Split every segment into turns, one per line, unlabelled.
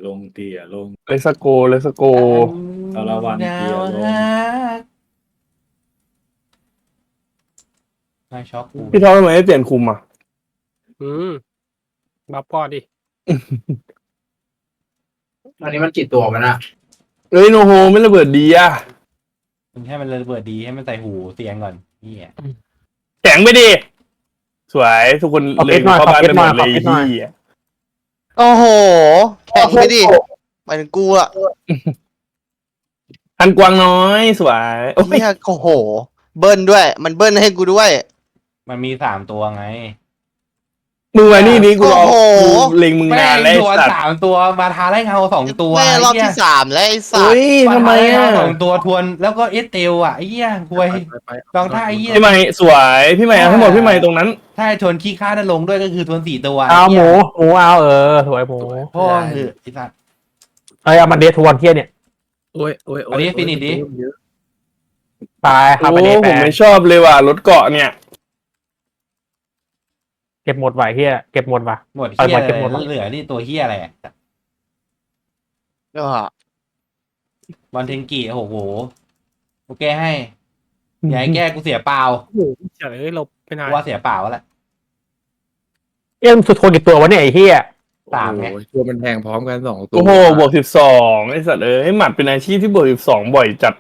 ลงเตี่ยลง
เลสโกเลสโก
สารวันเตี่ยลง
นายช็อกกู
พี่ท็อปทำไมไม่เปลี่ยนคุมอ่ะ
บัฟพ่อดิ
ตอนนี้มันกี่ตัวมันอะ
เอ้ยโนโฮไม่ระเบิดดีอ่ะ
มึงให้มันระเบิดดีให้มันใส่หูเตียงก่อนเฮีย
แข็งไปดิสวยทุกคนเลยเข้าบ้านไปหมดเลยที่
โอ้โหแข่งไปดิหมายถึงกูอะ
อันกวางน้อยสวยโอ้ย
เฮียโอ้โห เบิ้ลด้วย มันเบิ้ลให้กูด้วย
มันมี3 ตัวไง
มึงมานี่นี่กูรอ
โอ้โห
กูเล็งมึงนานแล้ว
แม่
ไอ้
งโดน
สัตว์
3 ตัวมาทาไล่เงา2 ตัว
แม่รอบที่ 3 แล้วไอ้สั
เฮ้
ตว์
ยทำไมอ่ะ
สองตัวทวนแล้วก็เอสเตลอ่ะไอ้เหี้ยควยลองถ้าไอ้เหี้ย
พี่ใหม่สวยพี่ใหม่เอาให้หมดพี่ใหม่ตรงนั้น
ถ้าทวนขี้ข้าได้ลงด้วยก็คือทวน4 ตัว
เอาหมู
ไอ้เหี้ย
เอาสวยหมู
พ่อคือไอ้สัตว์
เอามาเดทวนเที่ยเนี่ย
โอ้ยโอ้ย
อันนี้ฟินิชดิ
ตายครับ
โอ้
มาเดท
ผมไม่ชอบเลยว่ะรถเกาะเนี่ย
เก็บหมดไหวเฮียเก็บหมดว่ะ
หมดเหี้ย
เอามาเก็บหมด
เหลือนี่ตัวเหี้ยอะไรอะ
ก็
บอลเทนกิโอ้โหโอเคให้อย่าให้แก้กูเสียเปล่า
โอ้โหเฉยเราไม่นาน
กูว่าเสียเปล่าแล้วแหละ
มันสุดทนกี่ตัววะเนี่ยไอ้เฮีย
3ไง
โอ้ยตัวมันแทงพร้อมกัน2 ตัว
โอ้โหบวก12ไอ้สัตว์เอ้ยหมัดเป็นอาชีพที่บวก12บ่อยจัด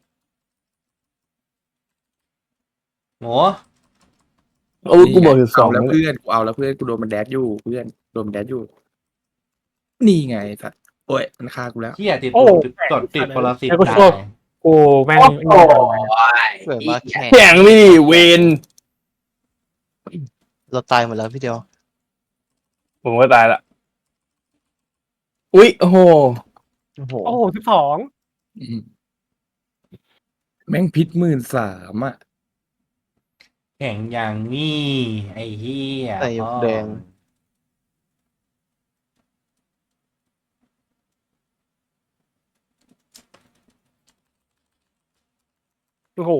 โห
โอ้ยกูบวก
เอา
12
แล้วเพื่อนกูเอาแล้วเพื่อนกูโดนมันแดดอยู่เพื่อนโดนมันแดดอยู่นี่ไงสัตว์โอ้ยมันฆ่ากูแล้ว
เหี้ยติด
โอ้
ติดปรสิต
แล้วก็
ตา
โชค
ย
กูแม่ง
เกิดมาแข่ง
แข็งไม่ดิเวน
เราตายหมดแล้วพี่เดียว
ผมก็ตายละอุ๊ยโอ้โห
โอ้โห
โอ้โห12
อืมแม่งพิษ13,000อ่ะ
แข่งอย่างนี้ไอ้เหี้ย
ใส่หยกแดง
โอ้โห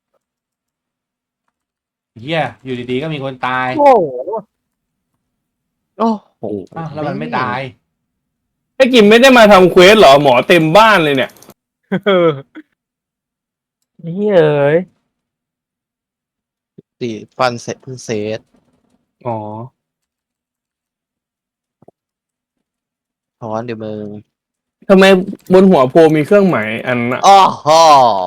เหี้ยอยู่ดีๆก็มีคนตาย
โอ้โห
โอ้โห
อ้าวแล้วมันไม่ตาย
ไอ้กิมไม่ได้มาทำเควสเหรอหมอเต็มบ้านเลยเนี่ย
เฮ้ยเอ้ย
ตีฟันเสร็จเพิ่งเซต
อ๋อ
ถอนเดี๋ยวมึง
ทำไมบนหัวโพมีเครื่องหมายอันน่ะ
อ้อฮอ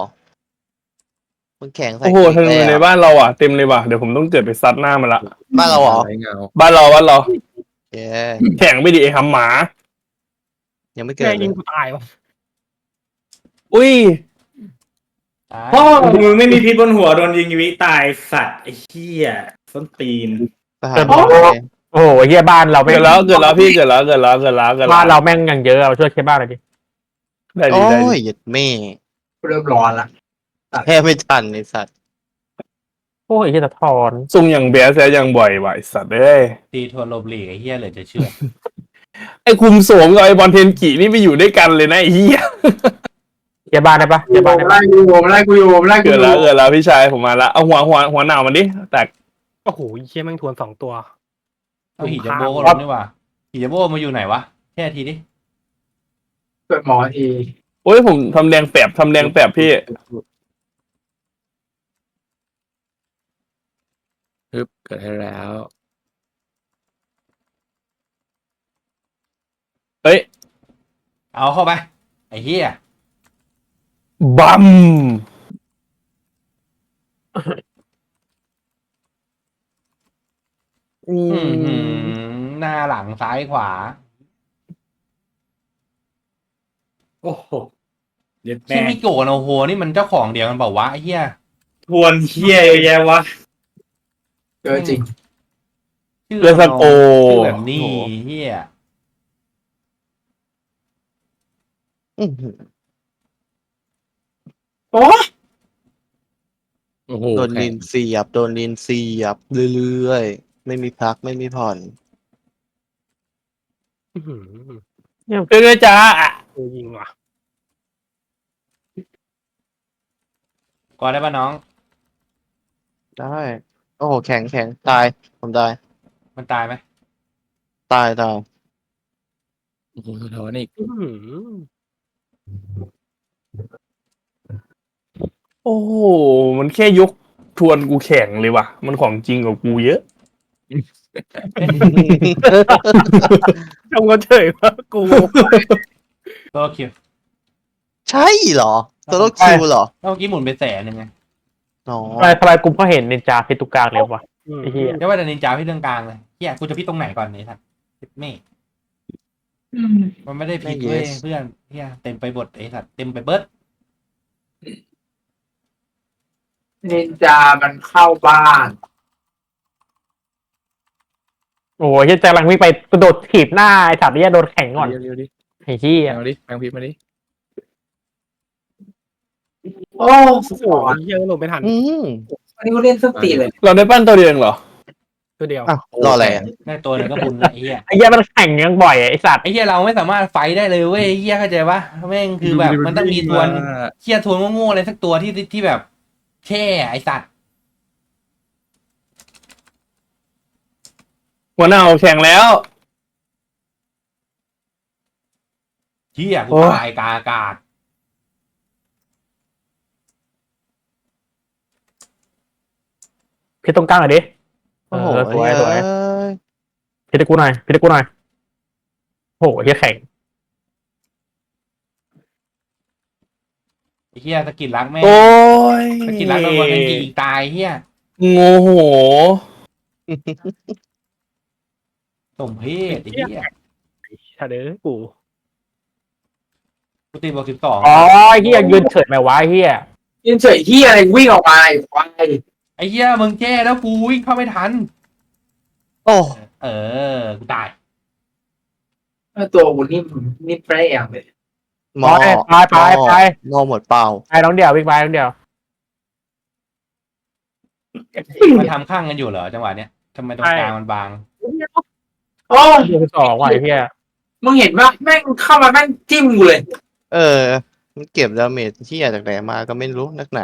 มันแข่งใส่
โอ้โหทำไมใน
แล้ว
บ้านเราอ่ะเต็มเลยว่ะเดี๋ยวผมต้องเกิดไปซัดหน้ามันละ
บ้านเราเหรอ
ไรเงา
บ้านเรา
เย้
แข็งไม่ดิไอ้หำหมา
ยังไม่เกิด
แม่ง
เล
ยิ
ย
งกูตายวะ
อุ้ย
ตาย
พ่อมึงไม่มีพิษบนหัวโดนยิงวิตายสัตว์ไอ้เหี้ยส้นตีน
ทหารมาเลย
โอ้โหเฮียบ้านเราแม่
เกิ
ง
ดแล้วพี่เกิดแล้ว
บ้านเราแม่งอย่างเยอะเราช่วยแค่บ้านเลยดิ
ได้ดิ
โอ้
ได้
ย
ดิ
หยุดแม่
เริ่มร้อนละ
แค่ไม่ทันไอ้สัตว์
โอ้ยเฮียสะท้อน
ซุ่มอย่างเบียร์แซอย่างบ่อยว่ะไอ้สัตว์เอ้ย
ตีทวนลบหลีกไอ้เหี้ยเลยจะเชื่อ
ไอ้คุมโสมกับไอ้บอลเทนกินี่ไปอยู่ด้วยกันเลยนะไอ้เหี้ย
เฮียบ้านได้ปะเฮียบ้านได้ปะ
ไล่กูอยู่ไล่กู
เกิ
อ
ด
ยู่
แล้วพี่ชายผมมาละเอาหัวหนาวมันดิแตก
โอ้โหเฮียแม่งทวน2 ตัว
เอาหิจัมโบ้ก็ลงนี่หว่าหิจัมโบ้มาอยู่ไหนวะแค่ทีดิ
เกิดหมอที
โอ้ยผมทำแดงแปบพี่
ปึ๊บเกิดให้แล้ว
เอ้ย
เอาเข้าไปไอ้เหี้ย
บัม
หน้าหลังซ้ายขวา
โอ้โหเย็ด
ที่
แม่
มิโกะโนโฮนี่มันเจ้าของเดียวกันเปล่าวะไอ้เหี้ย
ทวนเหี้ยเยอะแยะวะ
เจอจริง
ชื่อ
เลสโก
ชื่อแบบนี้เหี้ย
อื้อหือ
โอ้โห
โดนลินเสียบ โดนลินเสียบเรื่อยๆ ไม่มีพักไม่มีผ่อน
อื้อหือ
เรื่อยๆจ้า
กูยิงว่ะ
ก่อนได้ปะน้อง
ได้ โอ้โห แข็งตาย ผมตาย
มันตายไหม
ตาย
โอ้โหสะท้อนอีก
อื้อหือ
โอ้โหมันแค่ยกทวนกูแข็งเลยว่ะ มันของจริงกว่ากูเยอะ
จงก็เฉยว่ากู
ตัวคิว
ใช่เหรอตัวโลคิวเหรอ
แล้วเมื่อกี้หมุนไปแสนหนึ่งไง
อ๋อ
ทำไมกูก็เห็นนินจาพิษทุกกลางเลยวะไอ้เหี้ย
เดี๋ยวว่าแต่นินจาพี่เรื่องกลางเลยเฮียกูจะพี่ตรงไหนก่อนเนี่ยท่านไม่มันไม่ได้ผิดเว้ยเพื่อนเฮียเต็มไปหมดไอ้สัตว์เต็มไปเบิด
นินจามันเข้าบ้าน
โอ้ยเหี้ยกำลังวิ่งไปกระโดดถีบหน้าไอ้สัตว์เนี่ยโดนแข่งก่อน
เร็วๆดิ
ไอ้เหี้ย
เอาดิแปลงพิษมาดิ
โอ้
โอ้โหเยอะลงไม่ทัน
อืม
อันนี้กูเล่นสตีเลย
เราได้ปั้นตัวเดียวเองเหรอ
ตัวเดียว
อ้าวรออะไรอ่ะ
ได้ตัวหนึงก็บุญละไอ้เฮีย
ไอ้เหี้ยมันแข่งยังบ่อยไอ้สัตว์
ไอ้เฮียเราไม่สามารถไฟท์ได้เลยเว้ยไอ้เฮียเข้าใจปะแม่งคือแบบมันต้องมีทวนเฮียทวนโง่ๆอะไรสักตัวที่แบบแช่ไอ้สัตว์
หัวหน้าแข่งแล้ว
เฮียกู
โอ้ย
ตายกลางอากาศ
พิษตรงกลางหน่อยดิ
โอ้โห
สวยสวย
เอ้ย
พิษให้กูหน่อยพิษให้กูหน่อยโอ้โหเหี้ยแข่ง
ไอ้เฮียสกิลรักแม่ง
โอ้ย
สกิลรักโดนบอลเป็นจีตายเฮีย
โง่โห
สมเพศไอ้เฮีย
ชาเด้อกู
กูตีบวก12
อ๋อไอ้เหี้ยยืนเฉยไหมวะไอ้เหี้ย
ยินเฉยที่อะไรวิ่งออกมาไอ้ควาย
ไอ้เฮียมึงแจ้แล้วกูวิ่งเข้าไม่ทัน
โอ้
เออกูตาย
ตัวกูนิ่มแปรอย่างเลย
หมอ
ไป
หมอหมดเปล่า
ไปน้องเดียววิ่งไปน้องเดียว
มันทำข้างกันอยู่เหรอจังหวะเนี้ยทำไมตรงกลางมันบาง
โอ้
ยืนสองว่ะไอ้เหี้ย
มึงเห็นปะแม่งเข้ามาแม่งจิ้มกูเลย
เออ มันเก็บดาเมจที่อยากจากไหนมาก็ไม่รู้นักหนา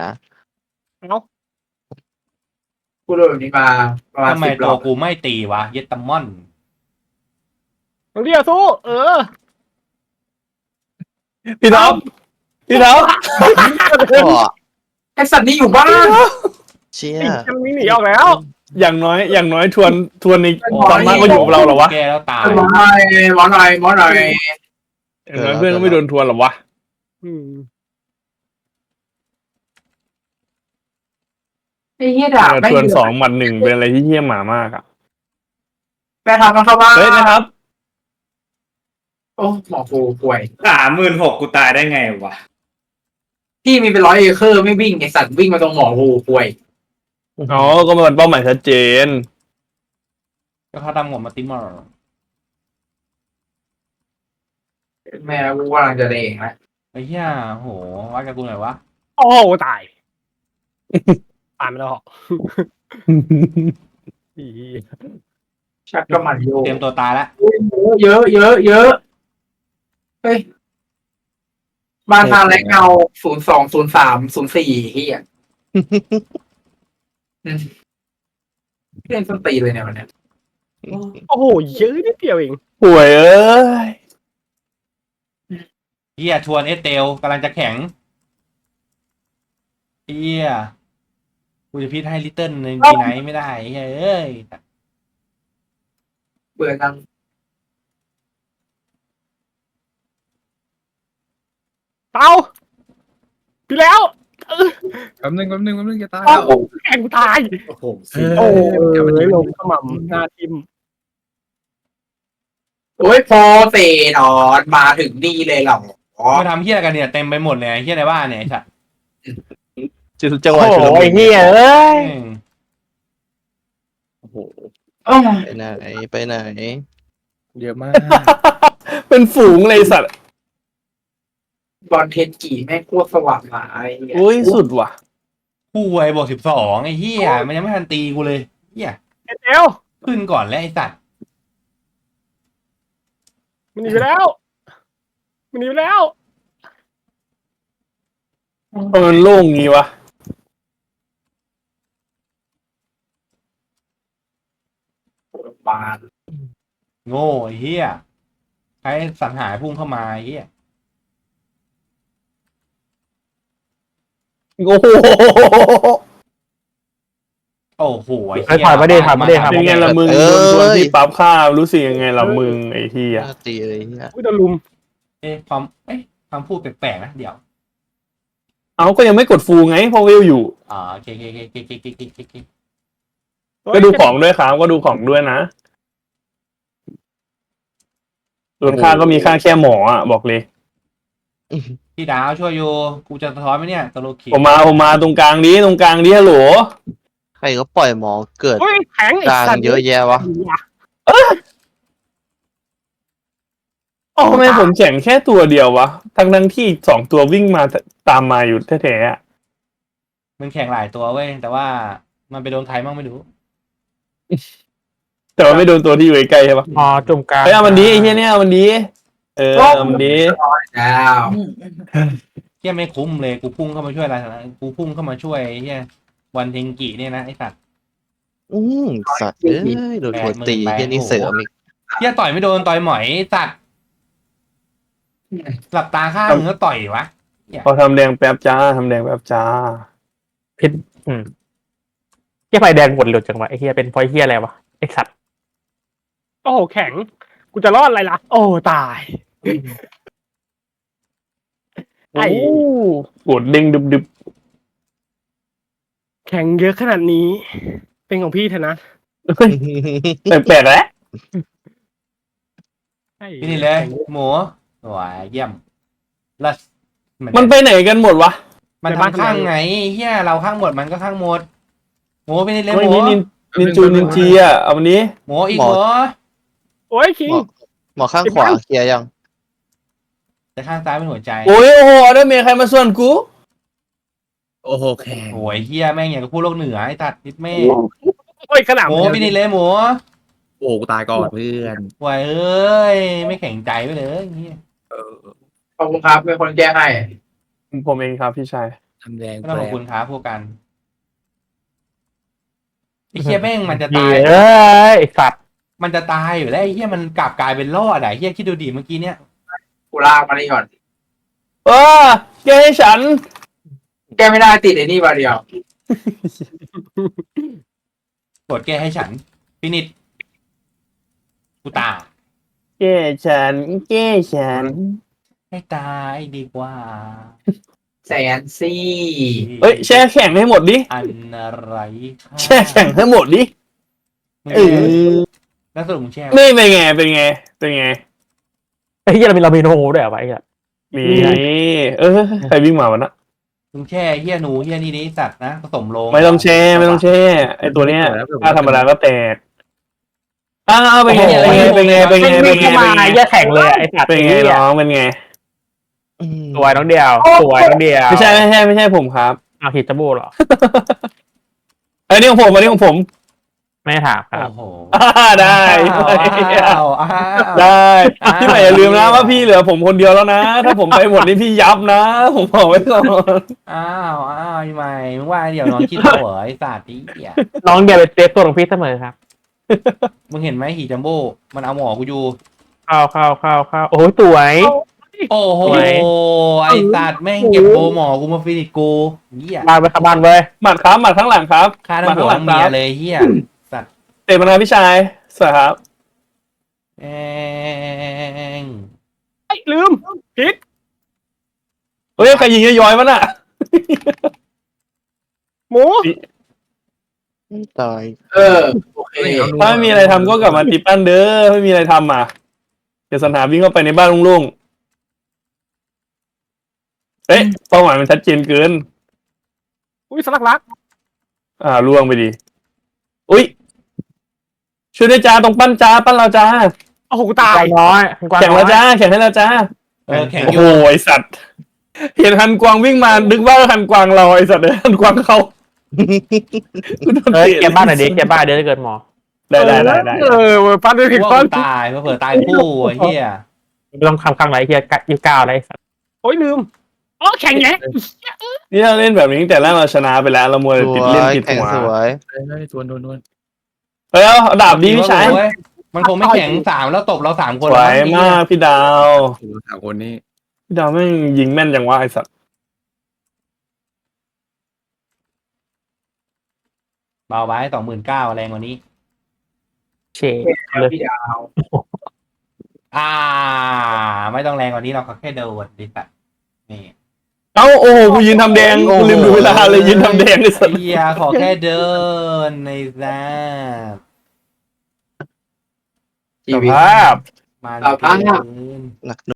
กูโดนแบบนี้มาประมาณ
ทำไม
10 ร
ตั
อ
ว
บ
กูไม่ตีวะเยตตามอน
น้องเดียวสู้เออ
พี่ท็อปพี่ท็อป
ก็
ไอสัตว์นี่อยู่บ้าน
เชี่ย
มันวิ่งหนีออกแล้ว
อย่างน้อยทวนในตอนมากก็อยู่กับเราเหรอวะ
แกแล้วตาย
หมอหน่อยหมอหน่อยหมอหน่อย
อย่างน้อยเพื่อนก็ไม่โดนทวนหรอวะ
อืม
ไอ้เหี้ยด่าแม่ง
ทวน2-1เป็นอะไรที่เหี้ยหมามากอ่ะ
แม่ทำมันเข้าบ้าน
เฮ้ยนะครับ
โอ้หมอกูป่วย
36,000กูตายได้ไงวะ
พี่มีเป็น100 เอเคอร์ไม่วิ่งไอสัตว์วิ่งมาตรงหมอกูป่วย
อ๋อก็มันเป้าหมายชัดเจน
ก็เขาทำผมมาติมอร์
แม่กูกำลังจะเด้งแล้ว
ไอ้เหี้ยโหวัดกับกูหน่อยวะ
โอ้โหตายตายไม่ได้หรอกอี
ชักกระหมันโย
เตรียมตัวตายละ
เยอะเฮ้ยบ้านทางแรงเงา020304เฮียเล่นส้นตีนเลยเนี่ยวันเนี้ย
โอ้โหเยอะนิดเดียวเอง
ป่วยเอ้ย
เหี้ยชวนเอสเตลกำลังจะแข็งเหี้ยกูจะพิษให้ลิตเติ้ลในทีไหนไม่ได้เฮ้ยเอ้ย
เบื่อจัง
เต้าพี่แล้ว
แป๊บนึงจะตาย
โอ้
แล้ว
โหแข่งตาย
โอ้โห
โอ้ยลงขมำหน้าทิม
โอ้ยพอเตะนอนมาถึงนี่เลยเหรอ
มาทำเหี้ยกันเนี่ยเต็มไปหมดเลยไอ้เหี้ยในบ้านเนี่ยไอ้สัตว์
จังห
โอ้
วะ
โห
ชุลมุ
ไอ้
น
เหี้ยเอ้ย
แม่ง
โอ้โห
อ้าว
ไปไหน
เยอะมาก
เป็นฝูงเลยสัตว์
บอลเทนกี่แม่งโคตรสว่างหมาไอ้เหี้ย
อุ้ยสุดว่ะ
ผู้ไวบวก12ไอ้เหี้ยมันยังไม่ทันตีกูเลยเหี้ย
เอล
ขึ้นก่อนแล้วไอ้สัตว์
มันหนีไปแล้วมันหนีไปแล้ว
มันโล่งงี้วะ
บาน
โง่ไอ้เหี้ยใครให้สังหารพุ่งเข้ามาไอ้เหี้ย
โอ้โห
โอ้โหไอ้
ไอ้
เหี้ย
ถอยมาดิถอยมาดิถอย
เป็น
มา
ไง
ดิ
ล่ะมึงโดนชวนที่ปั๊บข้าวรู้สึกยังไงล่ะมึงไอ้ที่
ห
อ่ะ
น้าตีเลยเนี่ย
อุ้ยโดนลุม
ความพูดแปลกๆนะเดี๋ยว
เอาก็ยังไม่กดฟูลไงเพราะเวลอยู่
โอเค
ก็ดูของด้วยครับก็ดูของด้วยนะส่วนค่าก็มีค่าแค่หมออ่ะบอกเลย
พี่ดาวช่วยอยู่กูจะสะท้อนไหมเนี่ยตะโลขี
ผมมาตรงกลางนี้ฮัลโหล
ใครก็ปล่อยหมอเกิด
เฮ้ยแข็งไอ้
กลาง
สัตว์
เยอะแยะวะ
ทำไมผมแข่งแค่ตัวเดียววะทั้งที่สองตัววิ่งมาตามมาอยู่แท้ๆอะ
มันแข่งหลายตัวเว้ยแต่ว่ามันไปโดนใครบ้างไม่รู้
แต่ว่าไม่โดนตัวที่อยู่ใกล้ๆใช่ปะ
อ๋อจุ่มกลาง
เฮ้ยเอามันดีไอ้เหี้ยเนี่ยเอามันดีเอามันดี
แล้ว
เหี้ยไม่คุ้มเลยกูพุ่งเข้ามาช่วยอะไรนะกูพุ่งเข้ามาช่วยไอ้เหี้ยวันเทงกิเนี่ยนะไอ้สัตว์
สัตว์เอ้ยโดนหัวตีเฮียนี่เสริมอีก
เหี้ยต่อยไม่โดนต่อยหมอยไอ้สัตว์หลับตาข้างมึงก็ต่อยวะ
พอทำแดงแป๊บจ้าทำแดงแป๊บจ้า
พิษเฮียไฟแดงหมดหลุดจังวะไอ้เฮียเป็นไฟเฮียอะไรวะไอ้สัตว์
โอ้โหแข็ง กูจะรอดอะไรล่ะ โอ้ตาย
โอ้กดเด้งดึบ
แข็งเยอะขนาดนี้ เป็นของพี่เถอะนะ
ๆแปลกๆแล้ว
พี่นี่เลยหมูหวายเยี่ยมลัส
มันไปไหนกันหมดวะ
มันทำข้างไงเฮียเราข้างหมดมันก็ข้างหมดหมูพี่นี่เลย
ไม่
หมู
นี่นินจูนินจีอ่ะเอาวันนี้
หมูอีกหมู
โอ้ยคิง
หมอข้างขวาเคลียร์ยัง
แต่ข้างซ้ายเป็นหัวใจ
โอ้โหได้เมียใครมาส่วนกู
โอ้โหแข็ง
โอ้ยเฮียแม่งอย่างกับพูดโลกเหนือไอ้ตัดนิดแม่
โอ้ยขนาด
หมูพี่นี่เลยหมู
โอ้กูตายก่อนเพื่อน
หวายเอ้ยไม่แข็งใจไปเลยเฮีย
เออ
ขอบคุณครับเป็นคนแก้ให้
ผมเองครับพี่ชาย
ทำแดง
ไม่
แป
ต้อง
ล
ขอบ
ก
คุณครับพวกกันไอ้เฮียแม่งมันจะ
เฮี
ตาย
ยเอ้ยไอ้สัตว์
มันจะตายอยู่แล้วไอ้เฮียมันกลับกลายเป็นรอดอ่ะเฮียคิดดูดิเมื่อกี้เนี่ย
กูลากมานี่ก่อน
แกให้ฉัน
แก้ไม่ได้ติดไอ้นี่มาเดียว
กดแก้ให้ฉันฟินิชกูตาย
แกฉัน
ให้ตายดีกว่า
แสนซี่
เอ้ยแช่แข็งให้หมดดิ
อันอะไรค่ะ
แช่แข็งให้หมดดิ
มึง
เออ
แล้วสรุปมึงแช่ไหม
นี่เป็นไงเป็นไง
ไอ้เฮียเรามีโนโฮด้วยเหรอวะไอ้เฮีย
นี่ใครวิ่งมาวะนะ
มึงแช่เฮียหนูเฮียนี่นี่สัตว์นะผสมโลง
ไม่ต้องแช่ไอตัวเนี้ยถ้าธรรมดาก็แตกเป็นไง
ไม่เข้ามาไอ้เฮียแข็งเลยไอ้สัตว์
เป็นไงน้องเป็นไง
สวยน้องเดียวสวยน้องเดียว
ไม่ใช่ผมครับ
เอาหิตาบูเหรอ
อันนี้ของผม
ไม่ถามครับ
โอ้โห
ได้
อ้าว
ได้พี่ใหม่อย่าลืมนะว่าพี่เหลือผมคนเดียวแล้วนะ ถ้าผมไปหมดนี่พี่ยับนะ ผมบอกไว้ก่อน
อ้าวทำไมมึงว่าเดี๋ยวน้องคิดเหรอไอ้สัตว์นี่เหี้ย
น้องเดียวเป็นเซฟตัวของพี่เสมอครับ
มึงเห็นไหมหีจัมโบ้มันเอาหมอกูอยู่
เข้าโอ้ยสวย
โอ้โห
สวย
ไอ้สัตว์แม่งเก็บโบหมอกูมาฟินิชกูเหี้ย
บ้านไปขับบ้านเว้ย
หมัดข้างหลังครับ
ฆ่าทั้งหัวทั้งเมียเลยเหี้ยสัตว์
เตะมานาพี่ชายสวัสดีครับ
แม่ง
ไอ้ยลืมพิษ
เฮ้ยใครยิงย้อยๆวะน่ะ
หมู
ตาย
โอเค
ถ้าไม่มีอะไรทำก็กลับมาติปั้นเด้อไม่มีอะไรทำอ่ะเดี๋ยวสันหาวิ่งเข้าไปในบ้านโล่งๆเป้าหมายมันชัดเจนเกิน
อุ้ยสลักรัก
ล่วงไปดิอุ้ยช่วยด้วยจ้าตรงปั้นจ้าปั้นเราจ้า
โอ้โหกูตาย
กวางน้อย
แข่งแล้วจ้าแข่งให้เราจ้า
แข่ง
โอ้
อ
โห
ยู่
ไอสัตว์เห็นฮันกวางวิ่งมานึกว่าฮันกวางเราไอสัตว์เลยฮันกวางเขา
เฮ้ยเก็บบ้านหน่อยดิเก็บบ้านเดี๋ยวจะเกิดหมอ
ได้
ปั้นด้วยผิด
ว่า
ปั้น
กูตายเผื่อตายคู่ไอ้เหี้ย
ไม่ต้องข้างไหนเฮีย29อะไรสัตว์
โอ้ยลืมอ๋อแข็งแยะ
นี่เราเล่นแบบนี้ตั้งแต่แรกเราชนะไปแล้วเรามัว
ส
ติด
ว
เล่น
ย
ติด
แข่ง
หัว
สวย
ทวน
เฮ้ยเอาดาบดีพี่ชาย
เว้ยมันคงไม่แข็งสามแล้วตบเรา3 คน
สวยมากพี่ดาว
โอ้โหสามคนนี้
พี่ดาวแม่งยิงแม่นจังวะไอสัตว์
เบาไว้29,000แรงกว่านี้
เช
แล้ว
เลย
พี่ดาว
ไม่ต้องแรงกว่านี้เราแค่โดนดิสัตนี่
เอ้าโอ้โหกูยืนทำแดงกูลืมดูเวลาเลยยืนทำแดงไอสัตว์
เฮียขอแค่เดินในแซ่
ชี
ส
วิต
ภาพ
มา
เอา
เกิน
หนัก